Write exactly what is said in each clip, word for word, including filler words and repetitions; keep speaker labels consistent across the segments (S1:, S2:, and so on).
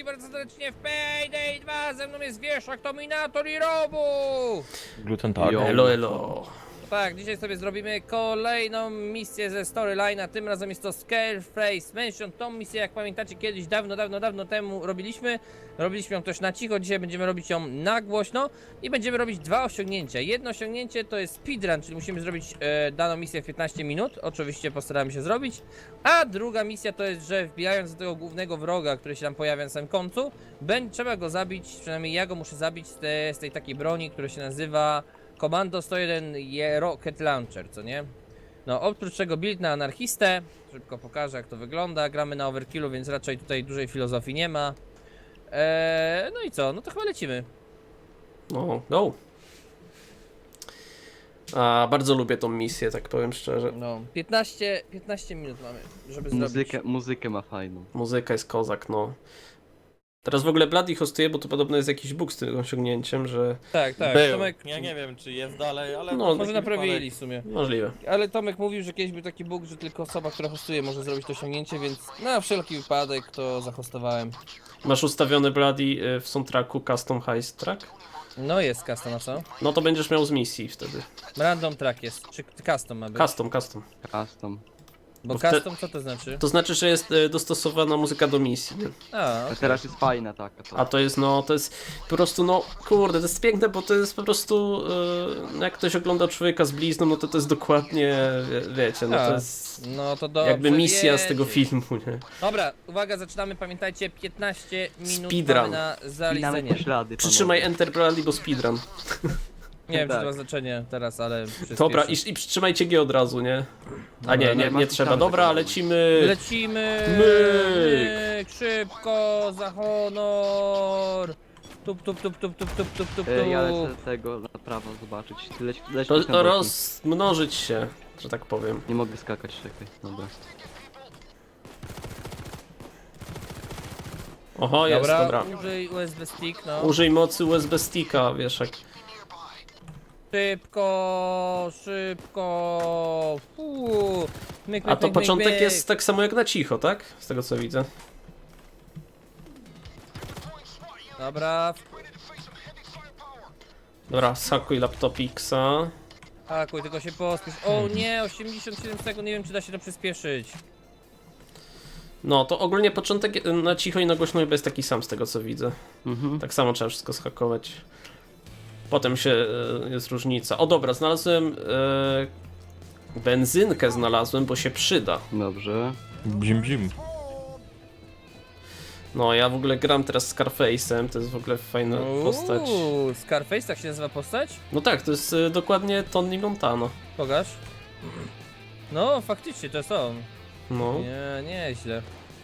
S1: bardzo serdecznie w Payday dwa, ze mną jest Wieszak, Dominator i Robu!
S2: Gluten tak.
S3: Elo, elo.
S1: Tak, dzisiaj sobie zrobimy kolejną misję ze storyline'a, tym razem jest to Scareface Mansion. Tą misję, jak pamiętacie, kiedyś dawno, dawno, dawno temu robiliśmy. Robiliśmy ją też na cicho, dzisiaj będziemy robić ją na głośno i będziemy robić dwa osiągnięcia. Jedno osiągnięcie to jest speedrun, czyli musimy zrobić e, daną misję w piętnaście minut, oczywiście postaramy się zrobić. A druga misja to jest, że wbijając do tego głównego wroga, który się tam pojawia na samym końcu, będzie trzeba go zabić, przynajmniej ja go muszę zabić z, te, z tej takiej broni, która się nazywa Komando sto jeden je Rocket Launcher, co nie? No, oprócz czego build na anarchistę, szybko pokażę jak to wygląda, gramy na overkillu, więc raczej tutaj dużej filozofii nie ma. Eee, no i co, no to chyba lecimy.
S3: No, go. A, bardzo lubię tą misję, tak powiem szczerze.
S1: No, piętnaście, piętnaście minut mamy, żeby
S2: Muzykę,
S1: zrobić.
S2: muzykę ma fajną.
S3: Muzyka jest kozak, no. Teraz w ogóle Bloody hostuje, bo to podobno jest jakiś bóg z tym osiągnięciem, że
S1: Tak, tak,
S4: Był.
S1: Tomek,
S4: Ja nie wiem, czy jest dalej, ale...
S3: No,
S1: może
S4: taki
S1: naprawili w sumie.
S3: możliwe.
S1: Ale Tomek mówił, że kiedyś był taki bóg, że tylko osoba, która hostuje, może zrobić to osiągnięcie, więc na wszelki wypadek to zahostowałem.
S3: Masz ustawiony Bloody y, w soundtracku Custom Heist Track?
S1: No jest custom, a co?
S3: No to będziesz miał z misji wtedy.
S1: Random track jest, czy custom ma być?
S3: Custom, custom.
S2: Custom.
S1: Bo
S3: bo wte-
S1: custom co to znaczy?
S3: To znaczy, że jest y, dostosowana muzyka do misji, nie?
S1: A,
S2: A
S1: okej.
S2: teraz jest fajna taka. To.
S3: A to jest, no, to jest po prostu, no, kurde, to jest piękne, bo to jest po prostu, y, jak ktoś ogląda Człowieka z blizną, no to to jest dokładnie, wie, wiecie, no to
S1: A,
S3: jest
S1: no to dobrze
S3: jakby misja z tego
S1: wiedzieć.
S3: filmu, nie?
S1: Dobra, uwaga, zaczynamy, pamiętajcie, piętnaście minut
S3: Speedrun.
S1: mamy na
S2: Spinamy
S1: zaliczenie.
S2: poślady,
S3: Przytrzymaj
S2: panowie.
S3: Enter Bloody, bo speedrun.
S1: Nie wiem, czy
S2: Tak.
S1: to ma znaczenie teraz, ale
S3: Dobra,
S1: przyspieszę.
S3: i, i przytrzymajcie G od razu, nie? A nie,
S1: Dobra,
S3: nie,
S2: no,
S3: nie
S2: masz
S3: trzeba.
S2: tam
S3: Dobra,
S2: tego.
S3: lecimy.
S1: Lecimy!
S3: Myk!
S1: Myk, szybko, za honor! Tup, tup, tup, tup, tup, tup, tup, tup,
S2: E, Ja lecę
S1: tup.
S2: tego na prawo zobaczyć. Ty leć, leć,
S3: Ro,
S2: leć na boki.
S3: rozmnożyć się, że tak powiem.
S2: Nie mogę skakać, czekaj. Dobra.
S3: Oho, jest,
S1: Dobra,
S3: dobra.
S1: użyj U S B stick, no.
S3: Użyj mocy U S B sticka, wiesz jak.
S1: Szybko, szybko. Fuu. Myk,
S3: A
S1: myk,
S3: to
S1: myk,
S3: początek
S1: myk, myk.
S3: jest tak samo jak na cicho, tak? Z tego co widzę.
S1: Dobra,
S3: Dobra, sakuj laptopixa.
S1: hakuj, tylko się pospiesz. O nie, osiemdziesiąt siedem sekund, nie wiem czy da się to przyspieszyć.
S3: No, to ogólnie początek na cicho i na głośno chyba jest taki sam z tego co widzę.
S2: Mhm.
S3: Tak samo trzeba wszystko schakować. Potem się e, jest różnica. O dobra, znalazłem e, benzynkę znalazłem, bo się przyda.
S2: Dobrze.
S4: Bzim, bzim.
S3: No, ja w ogóle gram teraz Scarface'em, to jest w ogóle fajna postać.
S1: Uuu, Scarface, tak się nazywa postać?
S3: No tak, to jest e, dokładnie Tony Montana.
S1: Pokaż. No, faktycznie, to jest on.
S3: No.
S1: Nie, nieźle.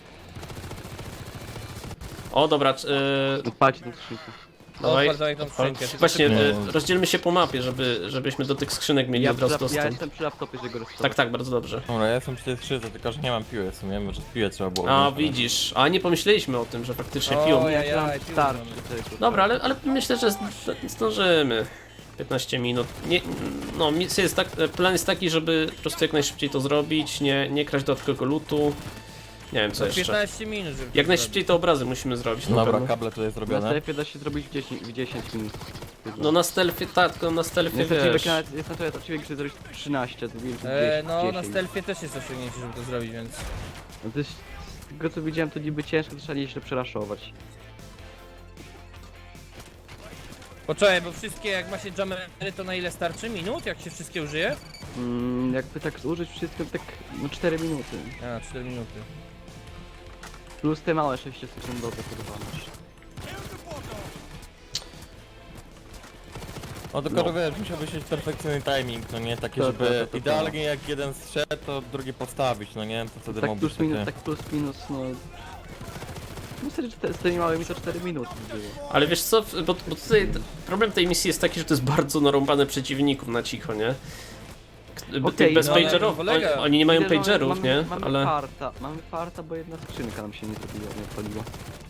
S3: O dobra, c- e,
S2: Odpalcie tą skrzynkę.
S3: dawaj.
S1: Odpal tą skrzynkę. tylko
S3: Właśnie,
S1: szybko.
S3: e, rozdzielmy się po mapie, żeby, żebyśmy do tych skrzynek mieli
S2: Ja,
S3: od razu
S2: przy, ja
S3: dostęp.
S2: jestem przy laptopie, że go
S3: Tak,
S2: rozstawię.
S3: tak, bardzo dobrze.
S4: Dobra, ja jestem przy tej skrzydce, tylko że nie mam piły w sumie, może piłę trzeba było
S3: A
S4: wziąć.
S3: widzisz, a nie pomyśleliśmy o tym, że faktycznie
S1: O,
S3: piją.
S1: ja-
S2: Ja mam
S1: Jaj, piłę
S2: starczy
S1: mamy.
S2: tego.
S3: Dobra, ale, ale myślę, że zd- zdążymy. piętnaście minut. Nie, no, misja jest tak, plan jest taki, żeby po prostu jak najszybciej to zrobić, nie, nie kraść dodatkowego lootu. Nie wiem co
S1: No,
S3: jeszcze.
S1: piętnaście minut, żeby to
S3: Jak najszybciej te obrazy musimy zrobić. Na
S4: Dobra,
S3: pewno.
S4: kable tutaj
S2: Na
S4: zrobione.
S2: strefie da się zrobić w dziesięć, w dziesięć minut.
S3: No na stealthie, tak, tylko na stealthie
S2: Jest na
S3: wiesz.
S2: ciebie, jest na tyle ciebie, żeby zrobić trzynaście, zrobiłem
S1: E, no, na
S2: dziesięć.
S1: stealthie też jest osiągnięcie, żeby to zrobić, więc...
S2: No to jest, z tego co widziałem, to niby ciężko, to trzeba nieźle przeraszować.
S1: Poczekaj, bo wszystkie, jak ma się jammery, to na ile starczy? Minut? Jak się wszystkie użyje?
S2: Mm, jakby tak zużyć wszystko, tak no cztery minuty.
S1: A, cztery minuty.
S2: Plus te małe sześciosekundowe kurwa masz.
S4: No tylko to wiesz, musiałby być perfekcyjny timing, no nie? Takie,
S2: To-
S4: żeby
S2: to- to- to- to.
S4: idealnie jak jeden strzedł, to drugi postawić, no nie? To wtedy
S2: Tak
S4: mógłby
S2: plus minus,
S4: takie...
S2: tak plus minus, no... Myślę, że te, z tymi małymi to cztery minuty było.
S3: Ale wiesz co, bo, bo tutaj t- problem tej misji jest taki, że to jest bardzo narąbane przeciwników na cicho, nie? K-
S2: Okej,
S3: Tych bez
S2: no,
S1: ale
S3: pagerów,
S1: polega-
S3: oni, oni nie mają
S2: Widzę, że
S3: pagerów,
S2: mamy,
S3: nie?
S2: Mamy
S3: Ale...
S2: farta, mamy farta, bo jedna skrzynka nam się nie zrobiła, nie odpaliła.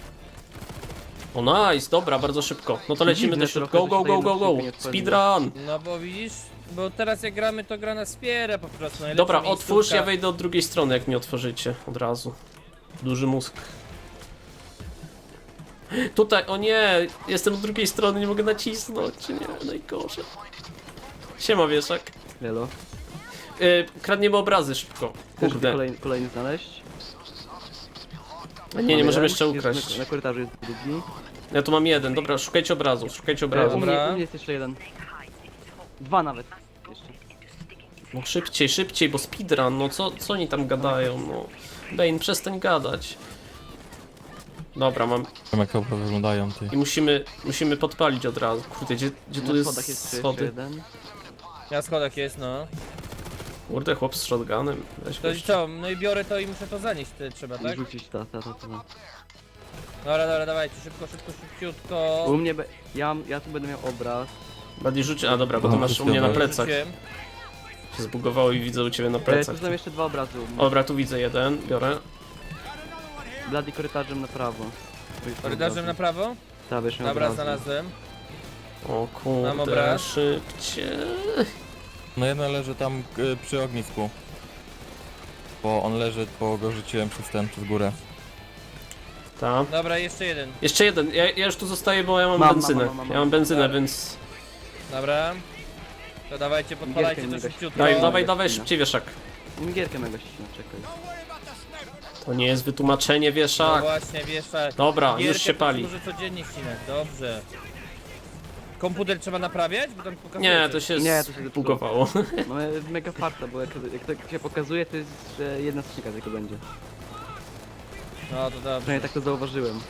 S3: O nice, dobra, bardzo szybko. No to lecimy
S2: Dziwne
S3: do środka.
S2: trochę,
S3: Go,
S2: że
S3: go,
S2: się
S3: go,
S2: ta
S3: go,
S2: jedna
S3: go.
S2: skrzynka nie odpaliła.
S3: Speedrun!
S1: No bo widzisz, bo teraz jak gramy, to gra nas wspiera po prostu. najlepsza
S3: Dobra, otwórz,
S1: miejscówka.
S3: ja wejdę od drugiej strony, jak mi otworzycie od razu. Duży mózg. Tutaj, o nie, jestem z drugiej strony, nie mogę nacisnąć, czy nie, najgorzej. Siema wieszak.
S2: Lelo.
S3: Yy, kradniemy obrazy szybko,
S2: Chcesz
S3: kurde.
S2: kolejny, kolejny znaleźć?
S3: Nie, nie możemy jeszcze
S2: Jest
S3: ukraść.
S2: Na, na korytarzu jest drugi.
S3: Ja tu mam jeden, dobra, szukajcie obrazów, szukajcie
S2: E, u,
S3: obrazów.
S2: mnie,
S1: Dobra.
S2: u mnie jest jeszcze jeden. Dwa nawet. Jeszcze.
S3: No szybciej, szybciej, bo speedrun, no co, co oni tam gadają, no. Bane, przestań gadać. Dobra, mam.
S4: Wiem jak to wyglądają ty.
S3: I musimy, musimy podpalić od razu. Kurde, gdzie, gdzie tu
S2: Na
S3: jest
S2: schodach jest jeszcze
S3: schody?
S2: jeden.
S1: Ja schodach jest, no.
S3: Kurde, chłop z shotgunem. Weź
S1: To i
S3: gość.
S1: co? No i biorę to i muszę to zanieść, ty, trzeba,
S2: I
S1: tak?
S2: rzucić ta, ta, ta, ta.
S1: Dobra, dobra, dawajcie, szybko, szybko, szybciutko.
S2: U mnie, be, ja, ja tu będę miał obraz.
S3: Bardziej rzuć, a dobra, bo to
S4: Aha,
S3: masz u mnie na
S4: dobra.
S3: plecach.
S1: Rzuciłem.
S3: Się zbugowało i widzę u ciebie na
S2: E, tu
S3: plecach.
S2: są jeszcze dwa obrazy u mnie.
S3: Dobra, tu widzę jeden, biorę.
S2: Blady korytarzem na prawo. Tu jest
S1: Korytarzem na
S2: obraz.
S1: prawo?
S2: Tak, wiesz, miał
S1: Dobra,
S2: obrazy.
S1: znalazłem.
S3: O
S1: Mam
S3: kurde,
S1: obraz.
S3: szybciej.
S4: No jeden leży tam y, przy ognisku. Bo on leży, bo go rzuciłem przez ten, przez górę.
S3: Ta.
S1: Dobra, jeszcze jeden.
S3: Jeszcze jeden, ja, ja już tu zostaję, bo ja mam,
S2: Mam, mam,
S3: benzynę.
S2: mam, mam, mam.
S3: Ja mam benzynę,
S1: Dobra.
S3: więc...
S1: Dobra. To dawajcie, podpalajcie
S2: Gierkę
S1: to
S2: nie
S1: szybciutko.
S3: Daj,
S2: No,
S3: dawaj,
S2: bez
S3: dawaj,
S2: kina.
S3: szybciej wieszak.
S2: Gierkę mego ścina, czekaj.
S3: To nie jest wytłumaczenie
S1: No
S3: wieszak.
S1: właśnie, wiesz, tak.
S3: Dobra, już
S1: Gierkę
S3: się pali.
S1: Może codziennie ścinać, dobrze. Komputer trzeba naprawiać? Bo tam pokazuje
S3: Nie,
S1: coś.
S3: to się
S2: Nie, to się
S3: zbugowało.
S2: Mamy mega farta, bo jak, jak tak się pokazuje, to jest, że jedna skrzynka tylko będzie.
S1: No to dobrze.
S2: Przynajmniej tak to zauważyłem.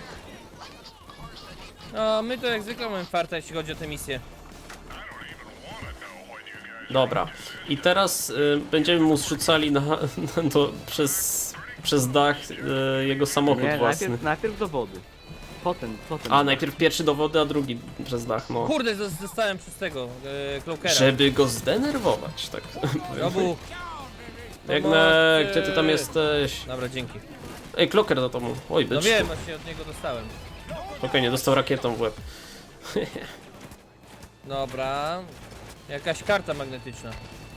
S1: No, my to jak zwykle mamy farta, jeśli chodzi o tę misję.
S3: Dobra. I teraz y, będziemy mu zrzucali na, na to przez, przez dach y, jego samochód
S2: Nie,
S3: własny.
S2: najpierw, najpierw do wody. Potem, potem.
S3: A, najpierw pierwszy do wody, a drugi przez dach, no.
S1: Kurde, zos- zostałem przez tego, e, Cloakera.
S3: Żeby go zdenerwować, tak powiem.
S1: Robu.
S3: Biegnę, gdzie ty tam jesteś?
S1: Dobra, dzięki.
S3: Ej, Kloker za tobą. Oj,
S1: No
S3: byczku.
S1: wiem, właśnie od niego dostałem.
S3: Spokojnie, dostał rakietą w łeb.
S1: Dobra. Jakaś karta magnetyczna.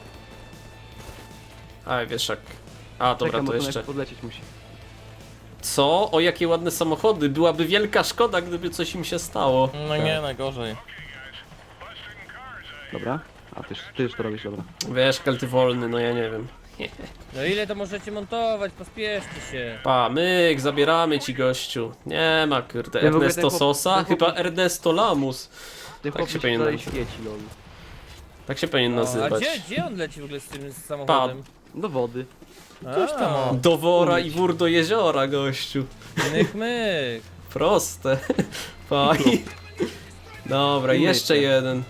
S3: A, wieszak. A, dobra,
S2: Czekam, bo
S3: to
S2: tu
S3: jeszcze.
S2: podlecieć musi.
S3: Co? O, jakie ładne samochody. Byłaby wielka szkoda, gdyby coś im się stało.
S4: No nie, najgorzej.
S2: Dobra. A ty, już- ty już to robisz, dobra.
S3: Wiesz, kalty wolny, no ja nie wiem.
S1: No ile to możecie montować? Pospieszcie się.
S3: Pa, myk, zabieramy ci gościu. Nie ma, kurde,
S2: Ja w ogóle
S3: Ernesto
S2: ten chłop-
S3: Sosa?
S2: ten chłop-
S3: Chyba Ernesto Lamus.
S2: Ten
S3: Tak
S2: chłop
S3: się
S2: się
S3: powinien
S2: dalej
S3: nazywać.
S2: świeci, lol.
S3: Tak się powinien
S1: No, a
S3: nazywać.
S1: gdzie, gdzie on leci w ogóle z tym samochodem?
S2: Do wody.
S4: Coś tam
S1: A,
S4: o.
S3: Do wora i wór do jeziora, gościu.
S1: myk, myk.
S3: Proste. Faj. Dobra,
S2: Umycie.
S3: jeszcze jeden.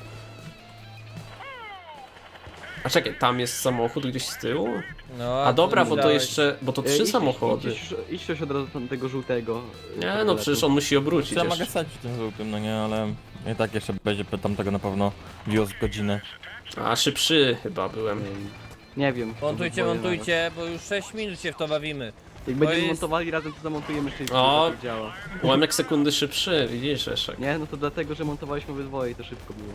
S3: A czekaj, tam jest samochód gdzieś z tyłu?
S1: No,
S3: A dobra,
S1: ty
S3: bo to
S1: dałeś.
S3: jeszcze, bo to
S2: E,
S3: trzy
S2: idź-
S3: samochody.
S2: Idź, idź coś od razu tam tego żółtego.
S3: Nie no, przecież on musi obrócić
S4: Trzeba
S3: jeszcze.
S4: mogę stać przy tym żółtym, no nie, ale i tak jeszcze będzie tam tego na pewno wiózł godzinę.
S3: A, szybszy chyba byłem.
S2: Nie wiem.
S1: Montujcie,
S2: boję
S1: montujcie, bo już sześć minut się w to bawimy.
S2: nawet. Jak
S1: To
S2: będziemy
S1: jest-
S2: montowali razem, to zamontujemy szybciej,
S3: O.
S2: to tak działa.
S3: Ułamek sekundy szybszy, widzisz, Eszek.
S2: Nie, no to dlatego, że montowaliśmy obydwoje i to szybko było.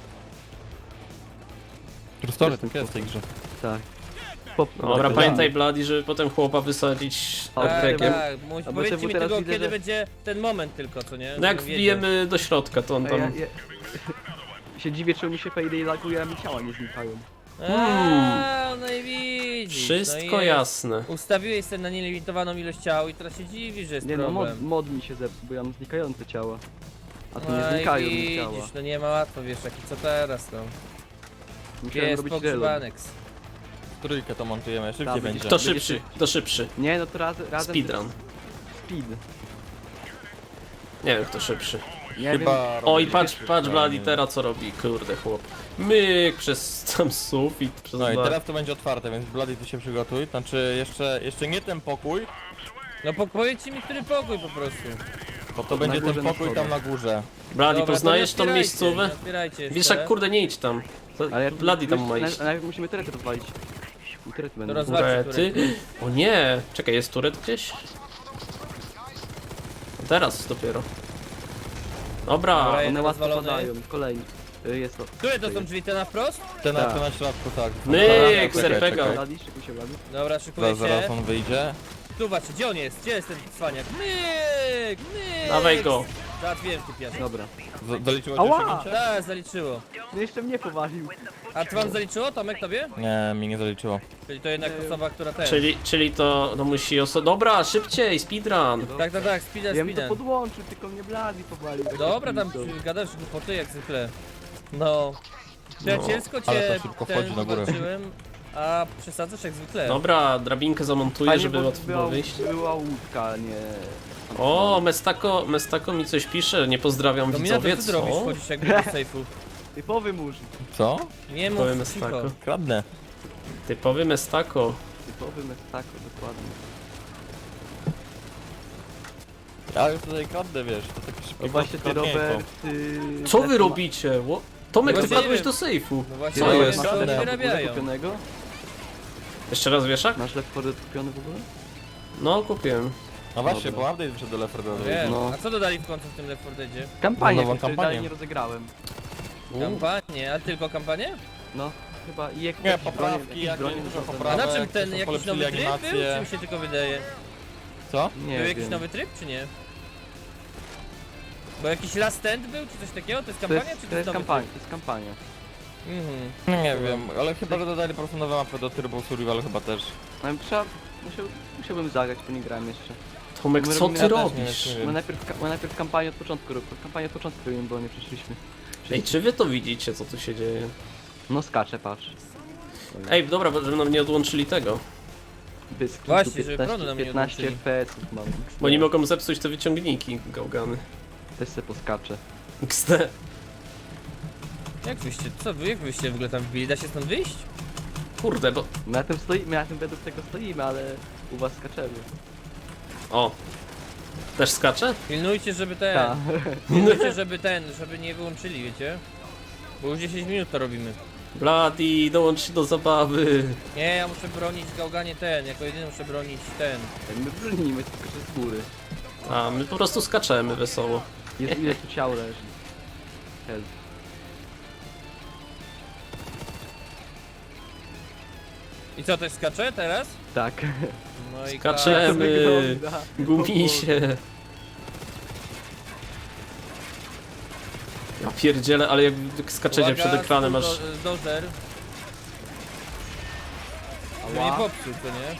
S4: Prostory tak jest w tej grze.
S2: Tak. Pop,
S3: Dobra,
S2: tak,
S3: pamiętaj Bloody, żeby potem chłopa wysadzić
S2: Tak,
S1: Tak,
S3: brekiem.
S1: tak. Mu-
S2: bo
S1: Powiedzcie
S2: czemu
S1: mi
S2: teraz
S1: tylko,
S2: widzę,
S1: kiedy
S2: że-
S1: będzie ten moment tylko, co nie?
S3: No jak
S1: Żebym wiedział.
S3: wbijemy do środka, to on
S2: A ja,
S3: tam...
S2: ja, się dziwię, czemu mi się Payday laguje, a mi ciała nie znikają.
S1: A, no i widzisz.
S3: Wszystko
S1: no i jest.
S3: jasne.
S1: Ustawiłeś sobie na nielimitowaną ilość ciał i teraz się dziwisz, że jest
S2: Nie no, mod,
S1: problem.
S2: mod mi się zepsuł, bo ja mam znikające ciała. A tu
S1: No
S2: nie
S1: i
S2: znikają mi
S1: widzisz,
S2: ciała.
S1: no nie ma łatwo, wiesz, jaki co teraz, no.
S2: Musiałem
S1: Jest
S2: robić relog.
S1: pogrzebanex.
S4: Trójkę to montujemy, szybciej
S2: Tak,
S4: będzie.
S2: będzie-
S3: To szybszy, to szybszy.
S2: Nie no to raz, razem...
S3: Speedrun.
S2: Speed.
S3: Nie wiem kto szybszy.
S2: Nie
S4: Chyba
S3: O i
S4: robię
S3: patrz,
S4: szybciej,
S3: patrz Bloody
S4: nie.
S3: teraz co robi, kurde chłop. Myk przez tam sufit, przez
S4: No i
S3: dach.
S4: teraz to będzie otwarte, więc Bloody ty się przygotuj. Znaczy jeszcze, jeszcze nie ten pokój,
S1: No po, powiedzcie mi, który pokój po prostu.
S4: bo to będzie
S2: górze
S4: ten
S2: na
S4: pokój tam
S2: schodach.
S4: na górze.
S3: Bloody,
S1: Dobra,
S3: poznajesz
S1: to
S3: tą
S1: nie
S3: miejscówę?
S1: otwierajcie, nie otwierajcie jeszcze.
S3: Wiesz jak kurde nie idź tam. To
S2: Ale ja
S3: Bloody tam ma
S2: na-
S3: iść.
S2: Najpierw musimy turety rozwalić. I turety będą.
S1: roz- Zobaczcie,
S3: Turety? O nie! Czekaj, jest turet gdzieś? Teraz dopiero. Dobra,
S1: Dobra,
S2: One łatwo
S1: rozwalone.
S2: padają, kolejny. Y, Jest to.
S1: Które to są drzwi, te na wprost?
S4: Ten na,
S2: Tak.
S4: ten na środku, tak.
S3: Myk,
S4: Czekaj,
S3: serpega.
S4: czekaj.
S2: Blady, szykuj się Blady.
S1: Dobra, szykuję
S4: Zaraz, zaraz
S1: się.
S4: on wyjdzie.
S1: tu patrz, gdzie on jest? Gdzie jest ten cwaniak? Myk! Myk!
S3: Dawaj go.
S1: Załatwiłem ty piasek.
S2: Dobra.
S4: Z- Doliczyło ci
S2: Ała!
S4: osiągnięcie?
S1: Tak, zaliczyło.
S2: No jeszcze mnie powalił.
S1: A to wam zaliczyło, Tomek, tobie?
S4: Nie, mi nie zaliczyło.
S1: Czyli to jednak osoba, która ten...
S3: Czyli, czyli to no musi oso... Dobra, szybciej, speedrun.
S1: Tak, tak, tak, speedrun,
S2: Ja bym to
S1: speedrun.
S2: podłączył, tylko mnie Bladi powalił.
S1: Dobra, tam
S2: Pizdą.
S1: gadasz głupoty jak zwykle. No. Przyjacielsko
S4: ale
S1: cię
S4: to szybko
S1: ten
S4: wchodzi na górę.
S1: walczyłem, a przesadzasz jak zwykle.
S3: Dobra, drabinkę zamontuję,
S2: Fajnie,
S3: żeby
S2: bo
S3: łatwo było
S2: była,
S3: wyjść.
S2: była łódka, a nie...
S3: O, Mestako, Mestako mi coś pisze, nie pozdrawiam
S1: Dominator,
S3: widzowie,
S1: co ty robisz?
S3: co?
S1: Wchodzisz jakby do sejfu.
S2: Typowy murz.
S4: Co?
S1: Nie mów
S3: Powiem
S1: cicho.
S3: Mestako.
S4: Kradnę.
S3: Typowy Mestako.
S2: Typowy mestako, dokładnie.
S4: Ja już tutaj kradnę, wiesz, to takie szybkie
S2: No właśnie ty,
S4: kradnięko.
S2: Robert... Ty...
S3: Co wy
S2: też ma-
S3: robicie? Ło- Tomek, ty
S1: Właśnie
S3: wpadłeś
S1: nie
S3: do
S1: wiem.
S3: sejfu.
S1: No właśnie,
S3: Co
S1: nie
S3: jest?
S1: wiem, co oni
S4: Kradnę.
S1: wyrabiają.
S2: kupionego?
S3: Jeszcze raz wieszak?
S2: Masz Left four Dead kupiony w ogóle?
S3: No, kupiłem.
S4: No właśnie,
S2: Dobra.
S4: bo update wyszedł do Left four Dead.
S1: Wiem.
S2: No.
S1: A co dodali w końcu w tym Left four Deadzie?
S2: Kampanię,
S4: nową
S2: której
S4: kampanię.
S2: dalej nie rozegrałem.
S1: Kampanię, a tylko kampanię?
S2: No, chyba i jak
S4: Nie,
S2: jakieś
S4: poprawki,
S2: bronie-
S4: jakieś
S2: bronie
S4: dużo
S2: są-
S1: A
S4: poprawek.
S1: na czym
S4: jak
S1: ten
S4: są
S1: jakiś
S4: polepszyli
S1: nowy tryb był?
S4: animacje.
S1: Czy mi się tylko wydaje?
S4: Co?
S2: Nie
S1: Był jakiś
S2: wiem.
S1: nowy tryb, czy nie? Bo jakiś Last Stand był, czy coś takiego? To jest
S2: To
S1: kampania,
S2: jest,
S1: czy
S2: to
S1: to
S2: jest
S1: jest nowy
S2: kampania, to jest kampania.
S1: tryb? Mhm.
S4: No nie wiem, ale chyba, że dodali po prostu nowe mapy do Turbo Survival chyba też.
S2: No i trzeba... Musiał, musiałbym zagrać, bo nie grałem jeszcze.
S3: Tomek,
S2: My
S3: co
S2: robimy-
S3: ty
S2: ja też
S3: robisz?
S4: nie wiem.
S2: My najpierw, ka- my najpierw kampanię od początku rob- kampanię od początku robimy, bo nie przeszliśmy.
S3: Ej, czy wy to widzicie, co tu się dzieje?
S2: No skacze, patrz.
S3: Ej, dobra, bo żeby nam nie odłączyli tego.
S2: Bysk,
S1: Właśnie, żeby prądu nam nie
S2: piętnaście
S1: odłączyli.
S2: F P S-ów mam.
S3: Bo nie mogą zepsuć te wyciągniki, gałgany.
S2: Też se poskaczę.
S3: X D.
S1: Jak wyście, co wy, jak wyście w ogóle tam wbili? Da się stąd wyjść?
S3: Kurde, bo...
S2: My na tym stoimy, my na tym według tego stoimy, ale u was skaczemy.
S3: O. Też skacze?
S1: Pilnujcie, żeby ten,
S2: Tak.
S1: pilnujcie, żeby ten, żeby nie wyłączyli, wiecie? Bo już dziesięć minut to robimy.
S3: Bloody, dołącz się do zabawy.
S1: Nie, ja muszę bronić gałganie ten, jako jedyny muszę bronić ten.
S2: My bronimy, tylko że z góry.
S3: A, my po prostu skaczemy wesoło.
S2: Jest ile tu ciał leży. Help.
S1: I co, też skacze teraz?
S2: Tak.
S1: No i
S3: Skaczemy.
S2: To wygląda.
S3: Gumisie. Ja pierdzielę, ale jak skaczecie przed ekranem aż...
S1: Do, dozer. Żeby nie
S2: Ała.
S1: popsuł, to nie?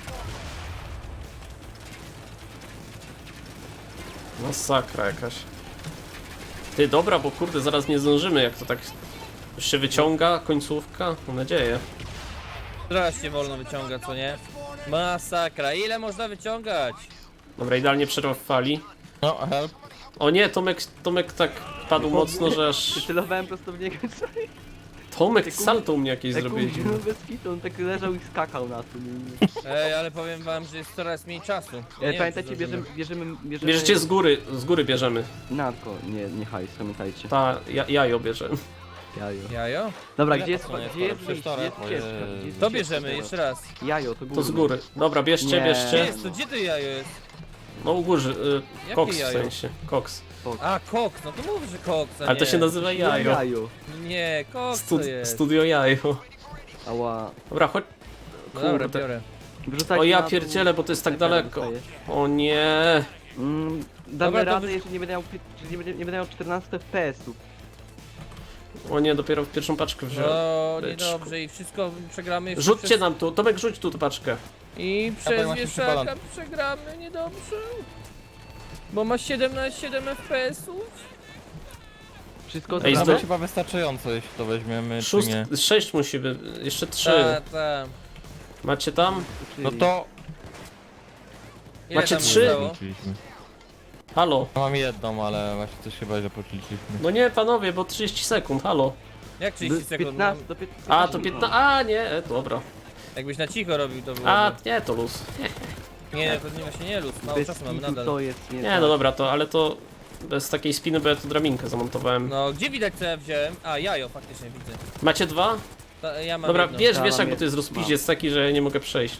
S3: Masakra jakaś. Ty, dobra, bo kurde, zaraz nie zdążymy, jak to tak... Już się wyciąga, końcówka, mam nadzieję.
S1: Teraz się wolno wyciąga, co nie? Masakra, ile można wyciągać?
S3: Dobra, idealnie przerwa w fali.
S4: No, help.
S3: O nie, Tomek, Tomek tak padł mocno, że aż...
S2: Celowałem prosto w niego.
S3: Tomek, salto u mnie jakieś
S2: Jak
S3: zrobiłeś.
S2: no bez kitu, on tak leżał i skakał na tym.
S1: Ej, ale powiem wam, że jest coraz mniej czasu. Ja nie
S2: E,
S1: wiem,
S2: pamiętajcie,
S1: czy
S2: bierzemy,
S1: zdążymy.
S2: bierzemy, bierzemy...
S3: Bierzecie z góry, z góry bierzemy.
S2: Na tylko, nie, nie hajs, pamiętajcie.
S3: Ta, ja, jajo bierzemy.
S2: Jajo.
S1: Jajo?
S2: Dobra,
S4: Ile
S2: gdzie jest,
S4: pasuje?
S2: gdzie jest
S4: Skoro
S2: wyjście, gdzie jest
S4: przecież to-
S2: ścieżka? Gdzie jest
S1: To
S2: ścieżka
S1: bierzemy,
S2: teraz?
S1: jeszcze raz.
S2: Jajo, to góry.
S3: To z góry. Dobra, bierzcie,
S2: Nie.
S1: Gdzie
S3: bierzcie.
S1: jest to? Gdzie to jajo jest?
S3: No u góry, y,
S1: Jakie
S3: koks w
S1: jajo?
S3: sensie, koks.
S1: A, koks, no to mów, że koks, a
S3: Ale to
S1: nie.
S3: się nazywa jajo.
S2: Jajo.
S1: Nie, koks
S3: Stud
S1: to jest.
S3: studio jajo.
S2: Ała.
S3: Dobra, chodź.
S1: No dobra,
S3: Kurde.
S1: biorę.
S2: Wrzucajcie
S3: O ja
S2: na dół.
S3: pierdzielę, bo to jest tak
S2: Snajpera
S3: daleko.
S2: dostajesz.
S3: O nie.
S2: Mm, damy
S1: Dobra, to
S2: radę,
S1: wy-
S2: jeżeli nie będę miał, pi- jeżeli nie będę, nie będę miał czternaście F P S-ów.
S3: O nie, dopiero w pierwszą paczkę wziąłem.
S1: No,
S3: Byczku.
S1: niedobrze i wszystko przegramy jeszcze
S3: Rzućcie
S1: przez...
S3: nam tu, Tomek rzuć tu tę paczkę.
S1: I
S4: Ja powiem
S1: przez
S4: właśnie
S1: wieszaka
S4: przypalam.
S1: przegramy niedobrze. Bo ma siedemnaście siedem F P S-ów.
S2: Wszystko
S3: Ej,
S2: Ej,
S3: zdo-
S4: Nawet chyba wystarczająco, jeśli to weźmiemy, czy
S3: Szóst,
S4: nie.
S3: sześć musi być, jeszcze trzy.
S1: Ta, ta.
S3: Macie tam?
S4: No to...
S1: Ile
S3: Macie
S1: tam
S3: trzy?
S1: zostało?
S4: Policzyliśmy.
S3: Halo?
S4: No mam jedną, ale właśnie coś chyba źle policzyliśmy.
S3: No nie, panowie, bo trzydzieści sekund, halo.
S1: Jak trzydzieści sekund?
S2: piętnaście do piętnastu.
S3: A, to piętnaście, a nie, e, dobra.
S1: Jakbyś na cicho robił, to było.
S3: A, nie, to luz.
S1: Nie, to nie właśnie nie luz, mało
S2: Bez
S1: czasu mamy
S2: kitu
S1: nadal.
S2: to jest nie
S3: Nie,
S2: tak.
S3: no dobra, to, ale to bez takiej spiny, bo ja tu drabinkę zamontowałem.
S1: No, gdzie widać co ja wziąłem? A, jajo, faktycznie widzę.
S3: Macie dwa?
S1: Ta, ja mam
S3: Dobra,
S1: jedno.
S3: bierz,
S2: Ja
S3: wiesz,
S2: mam
S3: jak bo to jest
S2: jedno.
S3: rozpiździec taki, że ja nie mogę przejść.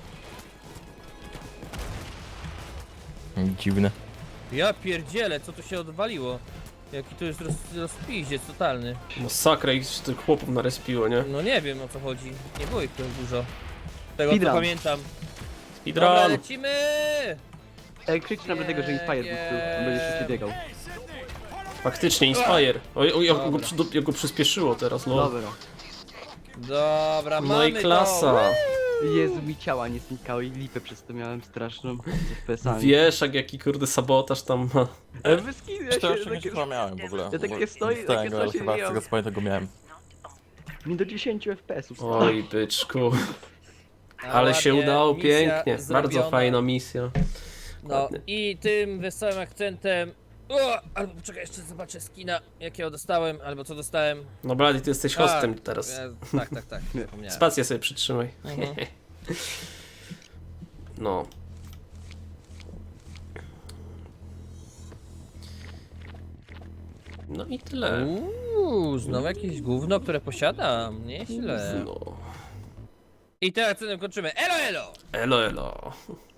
S4: Dziwne.
S1: Ja pierdzielę, co tu się odwaliło? Jaki to jest roz, rozpiździec totalny.
S3: Masakra, ich tych chłopów narespiło, nie?
S1: No nie wiem o co chodzi. Nie było ich tu dużo. Z tego
S2: Speedrun.
S1: co pamiętam. Dobra,
S3: Speedrun!
S1: lecimy!
S2: Ej, krzycz na tego, że Inspire był, on będzie szybciej biegał.
S3: Faktycznie, Inspire. Oj, oj, jak go, przy- jak go przyspieszyło teraz, no.
S2: Dobra.
S1: Dobra, mamy
S3: No i klasa.
S2: Jezu, mi ciała nie znikały i lipę przez to miałem straszną z F P S-ami.
S3: Wieszak, jaki kurde sabotaż tam ma.
S2: Ale bez kitu, ja się
S4: cztery osiemdziesiąt
S2: takie...
S4: chyba miałem w ogóle.
S2: Ja takie
S4: Bo
S2: stoi-
S4: z
S2: takie
S4: tego, ale
S2: coś
S4: chyba z
S2: miałem.
S4: tego co pamiętam go miałem.
S2: Mi do dziesięć F P S-ów.
S3: Oj, byczku.
S1: A
S3: Ale się
S1: ładnie,
S3: udało
S1: misja
S3: pięknie. Bardzo
S1: zrobiona.
S3: fajna misja.
S1: No
S3: ładnie.
S1: i tym wesołym akcentem... O, albo poczekaj, jeszcze zobaczę skina, jakiego dostałem, albo co dostałem.
S3: No Blady, ty jesteś hostem
S1: A,
S3: teraz.
S1: Ja, tak, tak, tak, zapomniałem.
S3: Spację sobie przytrzymaj.
S1: Mhm.
S3: No. No i tyle.
S1: Uuu, znowu jakieś gówno, które posiadam, nieźle.
S3: No.
S1: I tym akcentem kończymy. Elo, elo!
S3: Elo, elo.